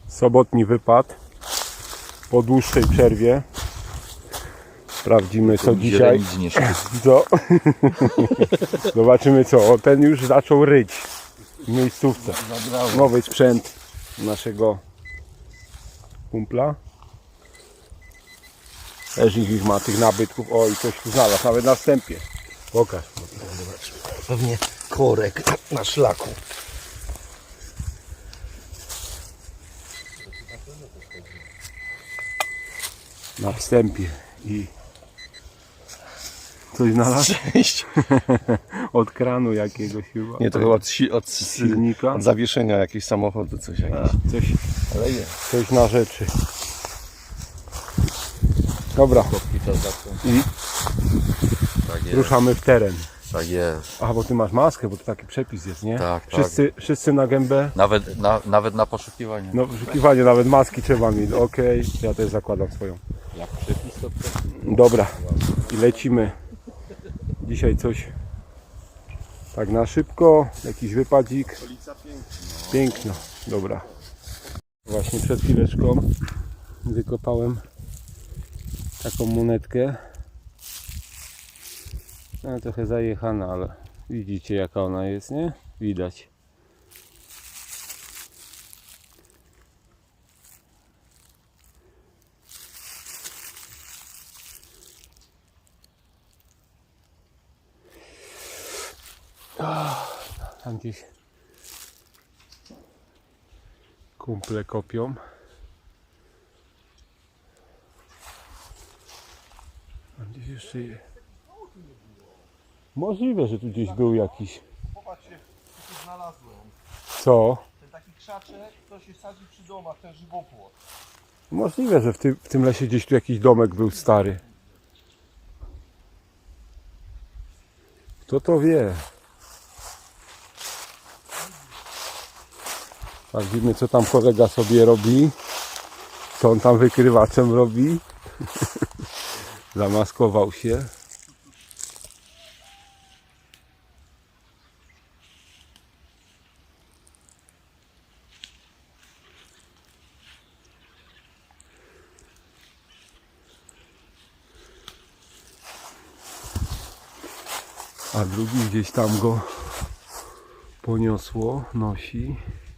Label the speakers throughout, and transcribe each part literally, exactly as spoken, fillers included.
Speaker 1: Sobotni wypad po dłuższej przerwie. Sprawdzimy co dzisiaj. Co? Zobaczymy co. O, ten już zaczął ryć w miejscówce. Nowy sprzęt naszego kumpla. Też ich ma tych nabytków. O, i coś tu znalazł, nawet na wstępie. Pokaż.
Speaker 2: Pewnie korek na szlaku.
Speaker 1: Na wstępie. I coś znalazł?
Speaker 2: Cześć.
Speaker 1: Od kranu jakiegoś chyba.
Speaker 2: Nie, to chyba od, si- od,
Speaker 1: silnika.
Speaker 2: od zawieszenia jakiegoś samochodu, coś jakieś.
Speaker 1: Coś,
Speaker 2: Ale jest.
Speaker 1: coś na rzeczy. Dobra. I
Speaker 3: Tak jest,
Speaker 1: ruszamy w teren.
Speaker 3: tak jest.
Speaker 1: A, bo ty masz maskę, bo to taki przepis jest, nie?
Speaker 3: Tak, tak.
Speaker 1: wszyscy, wszyscy na gębę.
Speaker 3: Nawet na, nawet na poszukiwanie.
Speaker 1: No, wyszukiwanie, nawet maski trzeba mieć. Okej, ja też zakładam swoją.
Speaker 3: Jak przepis to
Speaker 1: Dobra, i lecimy. Dzisiaj coś tak na szybko, jakiś wypadzik. Piękno, dobra. Właśnie przed chwileczką wykopałem taką monetkę. No, trochę zajechana, ale widzicie jaka ona jest, nie? Widać. Tam gdzieś kumple kopią. A gdzieś jeszcze je... Możliwe, że tu gdzieś był jakiś.
Speaker 4: Popatrzcie, co tu znalazłem.
Speaker 1: Co?
Speaker 4: Ten taki krzaczek, to się sadzi przy domach, ten żywopłot.
Speaker 1: Możliwe, że w tym, w tym lesie gdzieś tu jakiś domek był stary. Kto to wie? Sprawdzimy co tam kolega sobie robi. Co on tam wykrywaczem robi. Zamaskował się. A drugi gdzieś tam go poniosło, nosi.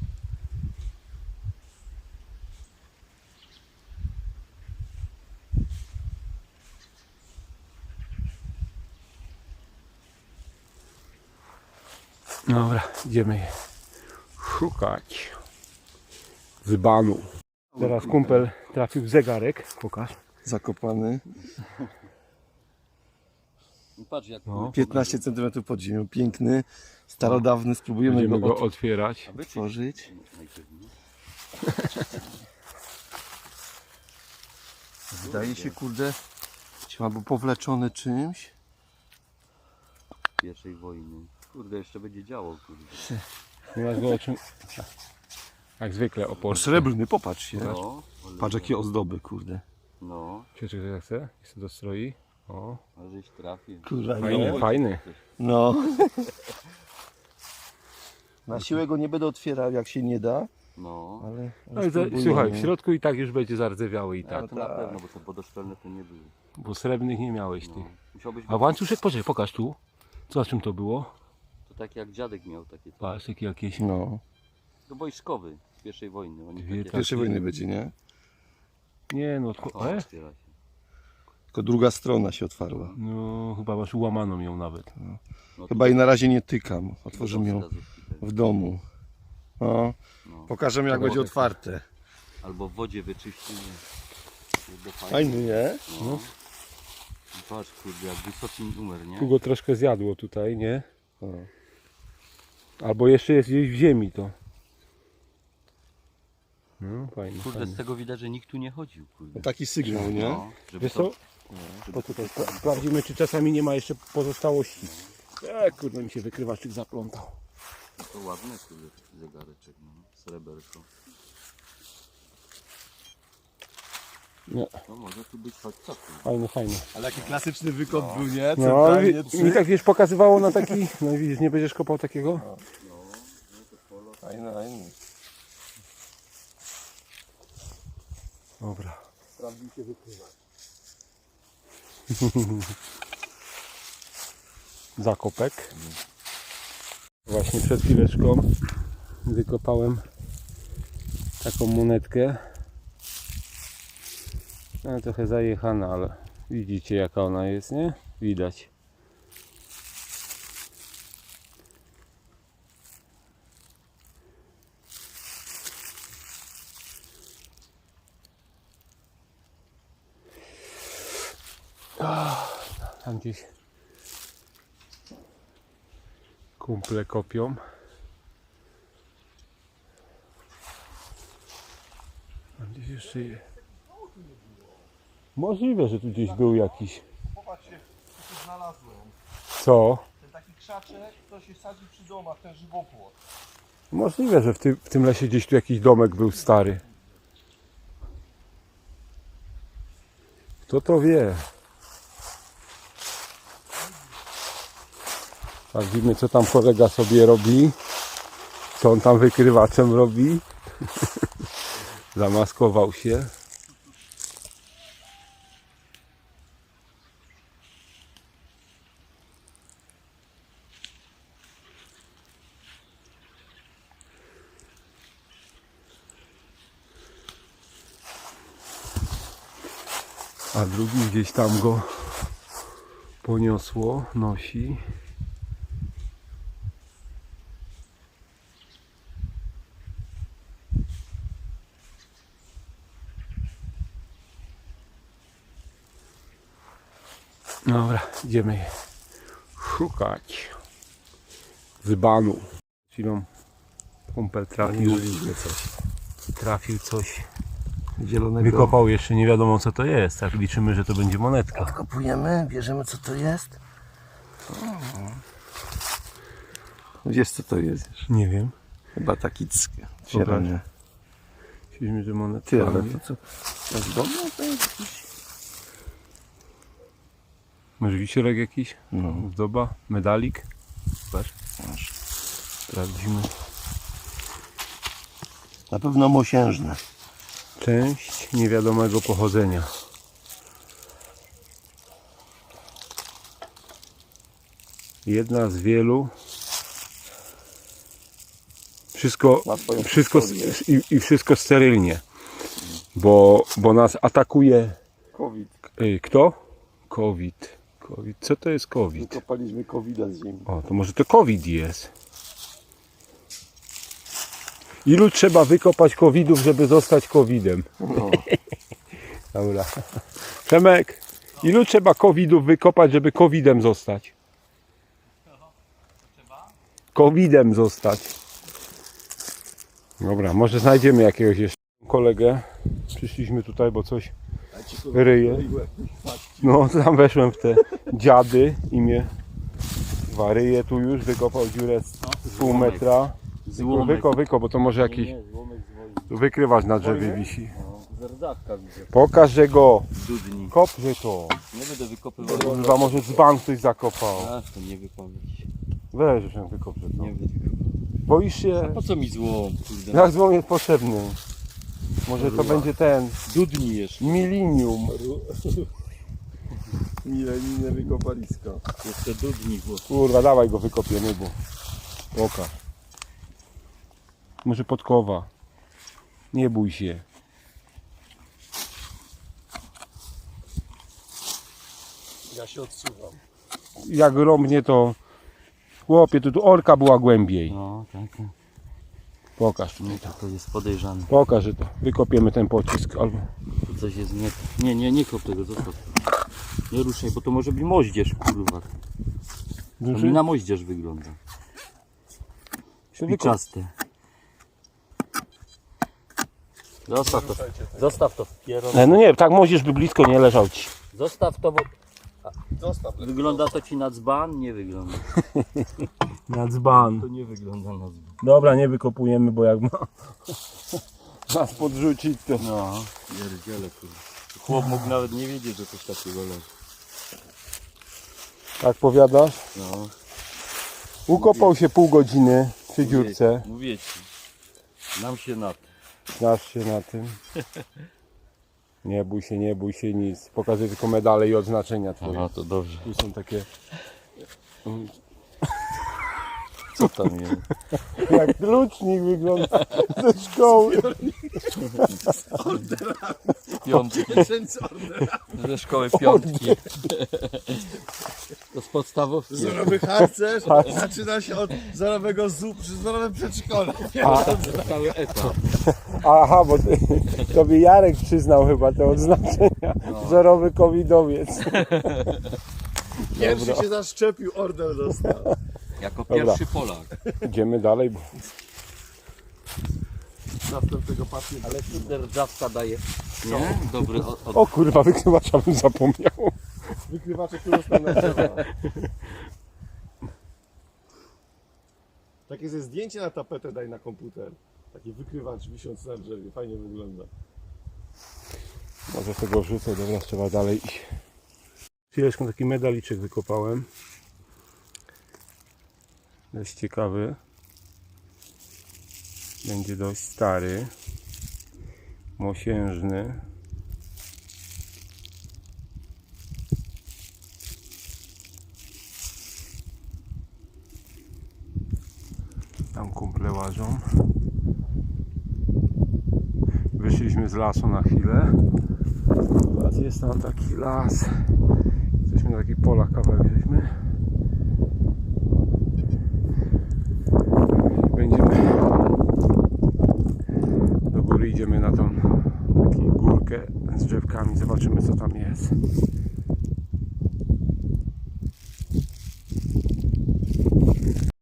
Speaker 1: Dobra, idziemy je szukać dzbanu. Teraz kumpel trafił w zegarek, pokaż.
Speaker 2: Zakopany.
Speaker 3: patrz jak
Speaker 1: No.
Speaker 2: piętnaście centymetrów pod ziemią. Piękny, starodawny. Spróbujemy
Speaker 1: Będziemy
Speaker 2: go,
Speaker 1: go
Speaker 2: od...
Speaker 1: otwierać.
Speaker 2: otworzyć. Wydaje się, kurde, albo powleczony czymś.
Speaker 3: pierwszej wojny. Kurde, jeszcze będzie działo, kurde.
Speaker 1: Nie masz go o czym... Jak zwykle opor.
Speaker 2: Srebrny, popatrz się.
Speaker 3: No,
Speaker 2: Patrz jakie ozdoby, kurde.
Speaker 3: no,
Speaker 1: Czekaj, jak chce? Jak się dostroi. O,
Speaker 3: a żeś trafił.
Speaker 2: Kurde,
Speaker 1: fajny, fajny.
Speaker 2: No. Na siłę go nie będę otwierał, jak się nie da,
Speaker 3: No,
Speaker 2: ale... ale
Speaker 1: No i za,
Speaker 2: spróbujemy.
Speaker 1: słuchaj, w środku i tak już będzie zardzewiały i tak.
Speaker 3: to na pewno, bo te wodoszczelne to nie były.
Speaker 1: Bo srebrnych nie miałeś ty.
Speaker 3: No. Musiałbyś
Speaker 1: A łańcuszek, poczekaj, pokaż tu. Co, z czym to było?
Speaker 3: To tak jak dziadek miał takie.
Speaker 1: Patrz, taki jakieś...
Speaker 2: No.
Speaker 3: To wojskowy z pierwszej wojny. Oni
Speaker 1: Dwie
Speaker 3: takie...
Speaker 2: Pierwszej wojny będzie, nie?
Speaker 1: Nie no,
Speaker 3: O,
Speaker 1: tko- e?
Speaker 3: otwiera się.
Speaker 2: Tylko druga strona się otwarła.
Speaker 1: No chyba masz ułamaną ją nawet.
Speaker 3: No,
Speaker 2: Chyba i na razie nie tykam.
Speaker 3: to
Speaker 2: Otworzymy ją
Speaker 3: wskazówki też.
Speaker 2: w domu. No.
Speaker 3: No.
Speaker 2: Pokażemy jak
Speaker 3: Albo
Speaker 2: będzie
Speaker 3: tak.
Speaker 2: otwarte.
Speaker 3: Albo w wodzie wyczyścimy. Kurde, fajnie.
Speaker 2: Fajny, nie?
Speaker 3: No. Patrz, kurde, jak wysoki numer, nie?
Speaker 1: Tu go troszkę zjadło tutaj, nie?
Speaker 2: O.
Speaker 1: Albo jeszcze jest gdzieś w ziemi to. No fajnie,
Speaker 3: Kurde,
Speaker 1: fajnie.
Speaker 3: z tego widać, że nikt tu nie chodził, kurde.
Speaker 2: No taki sygnał, nie?
Speaker 3: No, żeby
Speaker 1: Wiesz
Speaker 3: to...
Speaker 1: co? Poczekaj, spra- sprawdzimy czy czasami nie ma jeszcze pozostałości. E, kurde mi się wykrywaczyk zaplątał.
Speaker 3: To ładny, kurde, taki zegareczek, no. Sreberko.
Speaker 1: Nie,
Speaker 3: No może tu być choć co tu.
Speaker 1: fajny, fajny.
Speaker 2: Ale jaki klasyczny wykop był, nie?
Speaker 1: No,
Speaker 2: Centralnie
Speaker 1: mi,
Speaker 2: trzy.
Speaker 1: mi tak wiesz pokazywało na taki, no widzisz, nie będziesz kopał takiego?
Speaker 2: Fajny, fajny.
Speaker 1: Dobra.
Speaker 4: Sprawdził się wykrywać.
Speaker 1: Zakopek. Właśnie przed chwileczką wykopałem taką monetkę. No, trochę zajechana, ale widzicie jaka ona jest, nie? Widać. Tam gdzieś kumple kopią. Tam gdzieś jeszcze je. Możliwe, że tu gdzieś był jakiś.
Speaker 4: Popatrzcie, co tu znalazłem.
Speaker 1: Co?
Speaker 4: Ten taki krzaczek, to się sadzi przy domach, ten żywopłot.
Speaker 1: Możliwe, że w tym, w tym lesie gdzieś tu jakiś domek był stary. Kto to wie? Sprawdzimy, co tam kolega sobie robi. Co on tam wykrywaczem robi. Zamaskował się. A drugi gdzieś tam go poniosło, nosi. Dobra, idziemy je szukać. Dzbanu. Chwilą kumpel trafił.
Speaker 2: coś.
Speaker 1: Trafił coś.
Speaker 2: Zielonego.
Speaker 1: Wykopał jeszcze, nie wiadomo co to jest. Tak liczymy, że to będzie monetka.
Speaker 2: Odkopujemy, bierzemy co to jest. Wiesz co to jest?
Speaker 1: Nie wiem.
Speaker 2: Chyba taki ck. Zielony.
Speaker 1: Myślimy, że monetka.
Speaker 2: Ty, ale to co? To jest dobre? To jest jakiś...
Speaker 1: Może wisiorek jakiś?
Speaker 2: No.
Speaker 1: Zdoba? Medalik? Zobacz.
Speaker 2: Masz.
Speaker 1: Sprawdzimy.
Speaker 2: Na pewno mosiężne.
Speaker 1: Część niewiadomego pochodzenia. Jedna z wielu. Wszystko,
Speaker 2: Ma swoją
Speaker 1: wszystko
Speaker 2: historię.
Speaker 1: i, i wszystko sterylnie. Bo, bo nas atakuje.
Speaker 2: COVID.
Speaker 1: Ej, kto? COVID. COVID. Co to jest COVID?
Speaker 2: Wykopaliśmy kowida z ziemi.
Speaker 1: O, to może to COVID jest. Ilu trzeba wykopać covidów, żeby zostać covidem?
Speaker 2: No.
Speaker 1: Dobra. Przemek, ilu trzeba covidów wykopać, żeby covidem zostać? Covidem zostać. Dobra, może znajdziemy jakiegoś jeszcze kolegę. Przyszliśmy tutaj, bo coś ryje. No, tam weszłem w te dziady i mnie waryje tu już, wykopał dziurę z pół metra.
Speaker 3: Złomek.
Speaker 1: Wyko, wyko, bo to może jakiś
Speaker 3: Nie, złomek z wojny.
Speaker 1: tu wykrywacz na drzewie wisi.
Speaker 3: No, zerdawka widzę.
Speaker 1: Pokaż, że go.
Speaker 3: Dudni.
Speaker 1: Kopże to.
Speaker 3: Nie będę wykopywał.
Speaker 1: Kurwa, może dzban ktoś zakopał.
Speaker 3: A, to nie wypowiedź.
Speaker 1: Weź, że wykopże to.
Speaker 3: Nie będę wykopywał.
Speaker 1: Boisz się?
Speaker 3: Po co mi złom, kurde?
Speaker 1: Jak złom jest potrzebny? Może to będzie ten
Speaker 3: Dudni jeszcze.
Speaker 1: milinium.
Speaker 2: Milenijne wykopalisko.
Speaker 3: Jeszcze dudni, bo
Speaker 1: Kurwa, dawaj go wykopiemy, bo pokaż. Może podkowa. Nie bój się.
Speaker 4: Ja się odsuwam.
Speaker 1: Jak rąbnie to... Chłopie, to tu orka była głębiej.
Speaker 3: no, tak. tak.
Speaker 1: Pokaż tutaj
Speaker 3: Nie,
Speaker 1: to.
Speaker 3: to, to jest podejrzane.
Speaker 1: Pokaż, że to. Wykopiemy ten pocisk albo...
Speaker 3: Tu coś jest nie... Nie, nie, nie kop tego, zostaw. Nie ruszaj, bo to może być moździerz, kurwa. To
Speaker 1: Duży?
Speaker 3: mi na moździerz wygląda. Szpiczaste. Zostaw to. Zostaw to.
Speaker 1: E, no nie, tak możesz by blisko nie leżał ci.
Speaker 3: Zostaw to, bo
Speaker 4: Zostaw.
Speaker 3: wygląda to ci na dzban? Nie wygląda.
Speaker 1: Na dzban.
Speaker 3: To nie wygląda na dzban.
Speaker 1: Dobra, nie wykopujemy, bo jak ma nas podrzucić, to...
Speaker 3: No, pierdziele, kurwa. Chłop mógł nawet nie wiedzieć, że coś takiego leży.
Speaker 1: Tak powiadasz?
Speaker 3: No.
Speaker 1: Ukopał się pół godziny przy dziurce.
Speaker 3: Mówię ci. Nam się na to.
Speaker 1: Znasz się na tym. Nie bój się, nie bój się nic. Pokazuję tylko medale i odznaczenia twoje.
Speaker 3: Aha, to dobrze.
Speaker 1: Tu są takie
Speaker 3: Co tam jest?
Speaker 1: jak klucznik wygląda ze szkoły.
Speaker 3: Piątki. Ze szkoły piątki. To z podstawówki.
Speaker 2: Wzorowy harcerz zaczyna się od wzorowego zup, przy wzorowym przedszkolu.
Speaker 3: Cały etap.
Speaker 1: Aha, bo ty, tobie Jarek przyznał chyba te odznaczenia. Wzorowy covidowiec.
Speaker 2: Pierwszy się zaszczepił, order dostał.
Speaker 3: Jako pierwszy Polak.
Speaker 1: Idziemy dalej, bo
Speaker 2: Następnego pacjenta.
Speaker 3: Ale tu dzierżawca daje. Nie? Dobry od, od...
Speaker 1: o kurwa, wykrywacza bym zapomniał.
Speaker 2: Wykrywacze, które są na drzewa. Takie ze zdjęcie na tapetę daj na komputer. Taki wykrywacz wiszący na drzewie. Fajnie wygląda.
Speaker 1: Może tego rzucę, dobra, trzeba dalej iść. Chwileczkę taki medaliczek wykopałem. Dość ciekawy. Będzie dość stary. Mosiężny. Tam kumple łażą. Wyszliśmy z lasu na chwilę. Jest tam taki las. Jesteśmy na takich polach kawałek żeśmy.